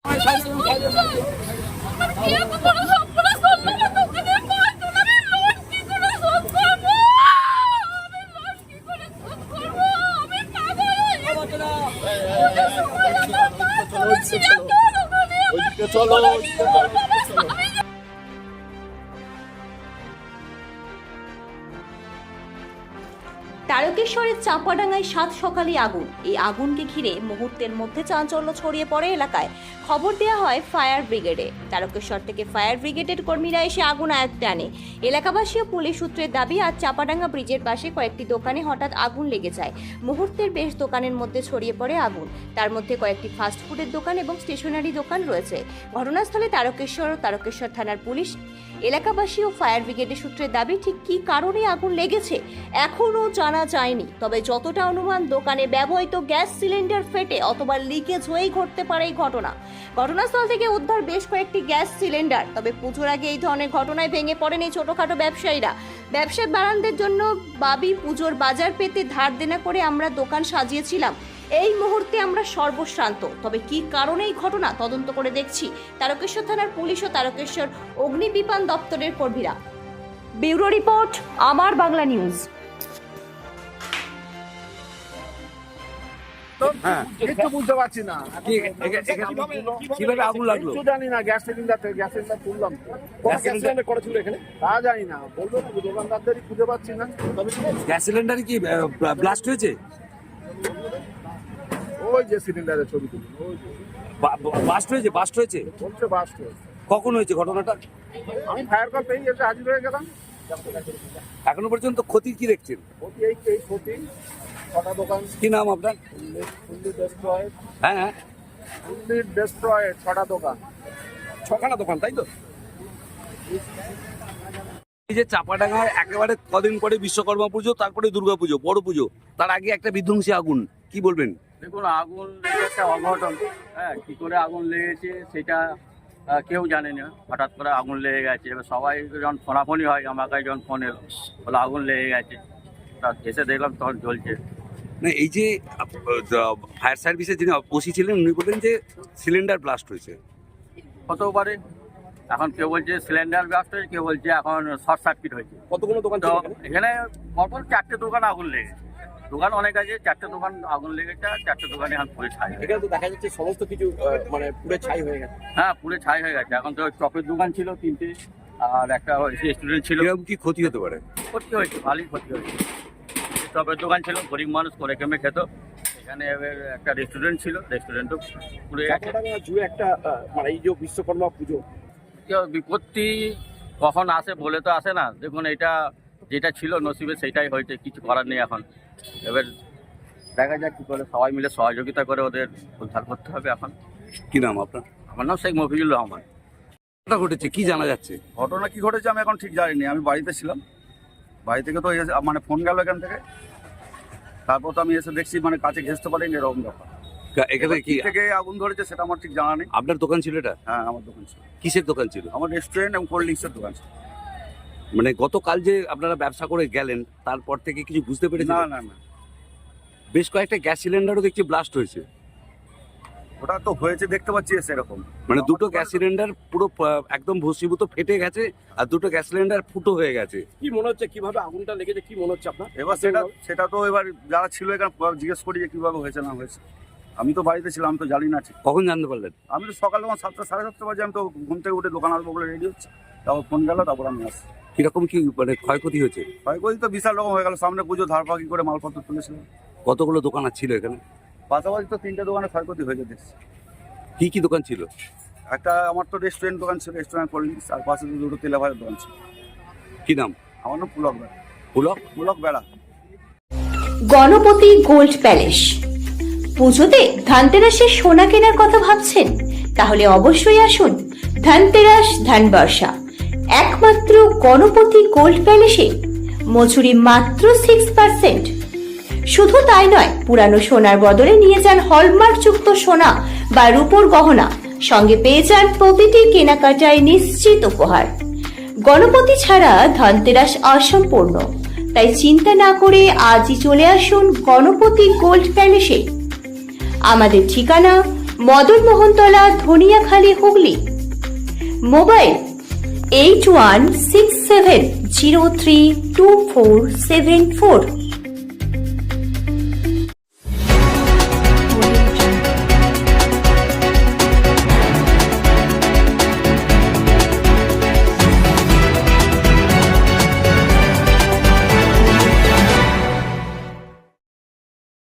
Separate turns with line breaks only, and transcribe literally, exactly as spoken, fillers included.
তারকেশ্বরের চাঁপাডাঙ্গায় সাত সকালে আগুন। এই আগুনকে ঘিরে মুহূর্তের মধ্যে চাঞ্চল্য ছড়িয়ে পড়ে এলাকায়। খবর দেওয়া হয় ফায়ার ব্রিগেডে। তারকেশ্বর থেকে ফায়ার ব্রিগেডের কর্মীরা এসে আগুন আয়ত্তে আনে। এলাকাবাসী ও পুলিশ সূত্রের দাবি, আজ চাঁপাডাঙ্গা ব্রিজের পাশে কয়েকটি দোকানে হঠাৎ আগুন লেগে যায়। মুহূর্তের বেশ দোকানের মধ্যে ছড়িয়ে পড়ে আগুন। তার মধ্যে কয়েকটি ফাস্টফুডের দোকান এবং স্টেশনারি দোকান রয়েছে। ঘটনাস্থলে তারকেশ্বর ও তারকেশ্বর থানার পুলিশ। এলাকাবাসী ও ফায়ার ব্রিগেডের সূত্রের দাবি, ঠিক কী কারণে আগুন লেগেছে এখনও জানা যায়নি। তবে যতটা অনুমান, দোকানে ব্যবহৃত গ্যাস সিলিন্ডার ফেটে অথবা লিকেজ হয়েই ঘটতে পারে এই ঘটনা। ঘটনাস্থল থেকে উদ্ধার বেশ কয়েকটি গ্যাস সিলিন্ডার। তবে পুজোর আগে এই ধরনের ঘটনায় ভেঙে পড়েন এই ছোটখাটো ব্যবসায়ীরা। ব্যবসায় বাড়ানদের জন্য বাবি পুজোর বাজার পেতে ধার দেনা করে আমরা দোকান সাজিয়েছিলাম। এই মুহূর্তে আমরা সর্বশ্রান্ত। তবে কি কারণে এই ঘটনা তদন্ত করে দেখছি তারকেশ্বর থানার পুলিশ ও তারকেশ্বর অগ্নিবিপান দপ্তরের কর্মীরা। ব্যুরো রিপোর্ট, আমার বাংলা নিউজ।
হ্যাঁ,
কিছু বুঝতে পারছি না
কিভাবে আগুন লাগলো
কিছু জানি না। গ্যাস সিলিন্ডার গ্যাস সিলিন্ডার তুললাম,
গ্যাস সিলিন্ডার করা ছিল এখানে,
তা জানি না, বলবো না, দোকানদারদেরই খুঁজে পাচ্ছি না।
গ্যাস সিলিন্ডারে কি ব্লাস্ট হয়েছে?
ওই যে সিলিন্ডারের ছবি তুলি, ওই
বাস্ট হয়েছে বাস্ট হয়েছে
বলছে বাস্ট হয়েছে।
কখন হয়েছে ঘটনাটা?
আমি ফায়ার কল পেয়ে এসে হাজির হয়ে গেলাম।
এখনো পর্যন্ত ক্ষতি কি দেখছেন?
ক্ষতি এই এই ক্ষতি ছটা দোকান।
কি নাম আপনার?
ফুল্লি ডেস্ট্রয়েড।
হ্যাঁ হ্যাঁ,
ফুল্লি ডেস্ট্রয়েড, ছটা দোকান।
ছখানা দোকান, তাই তো? এই যে চাঁপাডাঙ্গায় একেবারে কদিন পরে বিশ্বকর্মা পুজো, তারপরে দুর্গা পুজো, বড় পুজো, তার আগে একটা বিধ্বংসী আগুন, কি বলবেন?
দেখুন, আগুন লেগে একটা অঘটন। হ্যাঁ, কি করে আগুন লেগেছে সেটা কেউ জানে না। হঠাৎ করে আগুন লেগে গেছে। এবার সবাই যখন ফোনাফোনি হয়, আমার কাছে যখন ফোন এলো, বলে আগুন লেগে গেছে, তা এসে দেখলাম তখন জ্বলছে।
না, এই যে ফায়ার সার্ভিসের যিনি ওসি ছিলেন, উনি বললেন যে সিলিন্ডার ব্লাস্ট হয়েছে।
হতেও পারে। এখন কেউ বলছে সিলিন্ডার ব্লাস্ট হয়েছে, কেউ বলছে এখন শর্ট সার্কিট হয়েছে।
কতগুলো দোকান
তো এখানে পরপর চারটে দোকান আগুন লেগেছে। দোকান অনেক আছে, চারটে দোকান আগুন লেগেছে, আর চারটে দোকানে এখন পুরে ছাই।
এখানে তো দেখা যাচ্ছে সমস্ত কিছু মানে পুরো ছাই হয়ে গেছে।
হ্যাঁ, পুরে ছাই হয়ে গেছে। এখন তো চপের দোকান ছিল তিনটে, আর একটা রেস্টুরেন্ট ছিল।
এরকম কি ক্ষতি হতে পারে?
ক্ষতি হয়েছে, ভালোই ক্ষতি হয়েছে। চপের দোকান ছিল, গরিব মানুষ করে কেমে খেত। এখানে এবার একটা রেস্টুরেন্ট ছিল, রেস্টুরেন্টও পুরে
জুড়ে একটা মানে এই যে বিশ্বকর্মা পুজো,
বিপত্তি কখন আসে বলে তো আসে না। দেখুন, এটা যেটা ছিল নসিবে সেটাই হয়েছে, কিছু করার নেই। এখন এবার দেখা যাক কী করে সবাই মিলে সহযোগিতা করে ওদের উদ্ধার করতে হবে। এখন
কি নাম আপনার?
আমার নাম শেখ মফিজুর রহমান।
ঘটনা ঘটেছে, কি জানা যাচ্ছে?
ঘটনা কি ঘটেছে আমি এখন ঠিক জানি না। আমি বাড়িতে ছিলাম, বাড়ি থেকে তো এসে মানে ফোন গেল এখান থেকে। তারপর তো আমি এসে দেখছি মানে কাছে ঘেঁচতে পারিনি, এরকম ব্যাপার।
এখানে কি
থেকে আগুন ধরেছে সেটা আমার ঠিক জানা নেই।
আপনার দোকান ছিল এটা?
হ্যাঁ, আমার দোকান ছিল।
কিসের দোকান ছিল?
আমার রেস্টুরেন্ট এবং কোল্ড ড্রিঙ্কসের দোকান ছিল।
মানে গতকাল যে আপনারা ব্যবসা করে গেলেন, তারপর থেকে কিছু বুঝতে পেরেছেন?
না না না,
বেশ কয়েকটা গ্যাস সিলিন্ডারও দেখছি ব্লাস্ট হয়েছে।
ওটা তো হয়েছে দেখতে পাচ্ছি সেরকম।
মানে দুটো গ্যাস সিলিন্ডার পুরো একদম ভস্মীভূত ফেটে গেছে, আর দুটো গ্যাস সিলিন্ডার ফুটো হয়ে গেছে। কি মনে হচ্ছে, কিভাবে আগুনটা লেগেছে, কি মনে হচ্ছে আপনার?
এবার সেটা সেটা তো এবার যারা ছিল এখানে জিজ্ঞেস করি যে কিভাবে হয়েছে না হয়েছে। আমি তো বাড়িতে ছিলাম, আমি তো জানি না।
কখন জানতে পারলেন?
আমি তো সকাল তখন সাতটা সাড়ে সাতটা বাজে আমি তো ঘুম থেকে উঠে দোকান আসবো বলে রেডি হচ্ছে, তারপর ফোন গেল, তারপর আমি আসি।
কিরকম কি মানে ক্ষয়ক্ষতি হয়েছে?
ক্ষয়ক্ষতি তো বিশাল রকম হয়ে গেল। সামনে পুজো, ধার পাকি করে মালপত্র তুলেছিলাম।
কতগুলো দোকান ছিল এখানে?
পাশাপাশি তো তিনটে দোকানে ক্ষয়ক্ষতি হয়ে যেতে।
কি কি দোকান ছিল?
একটা আমার তো রেস্টুরেন্ট দোকান ছিল, রেস্টুরেন্ট কোল্ড ড্রিঙ্কস, আর পাশে দুটো তেলাভাজার দোকান ছিল।
কি নাম?
আমার নাম পুলক বেড়া।
পুলক
পুলক বেড়া।
Ganapati gold palace. পুজোতে ধানতেরাসের সোনা কেনার কথা ভাবছেন? তাহলে অবশ্যই আসুন ধানতেরাস ধানবর্ষা। একমাত্র গণপতি গোল্ড প্যালেসে মজুরি মাত্র সিক্স পার্সেন্ট। শুধু তাই নয়, পুরানো সোনার বদলে নিয়ে যান হলমার্কযুক্ত সোনা বা রূপোর গহনা। সঙ্গে পেয়ে যান প্রতিটি কেনাকাটায় নিশ্চিত উপহার। গণপতি ছাড়া ধনতেরাস অসম্পূর্ণ। তাই চিন্তা না করে আজই চলে আসুন গণপতি গোল্ড প্যালেসে। আমাদের ঠিকানা Madan Mohantala, Dhaniakhali, Hooghly. Mobile eight one six seven zero three two four seven four.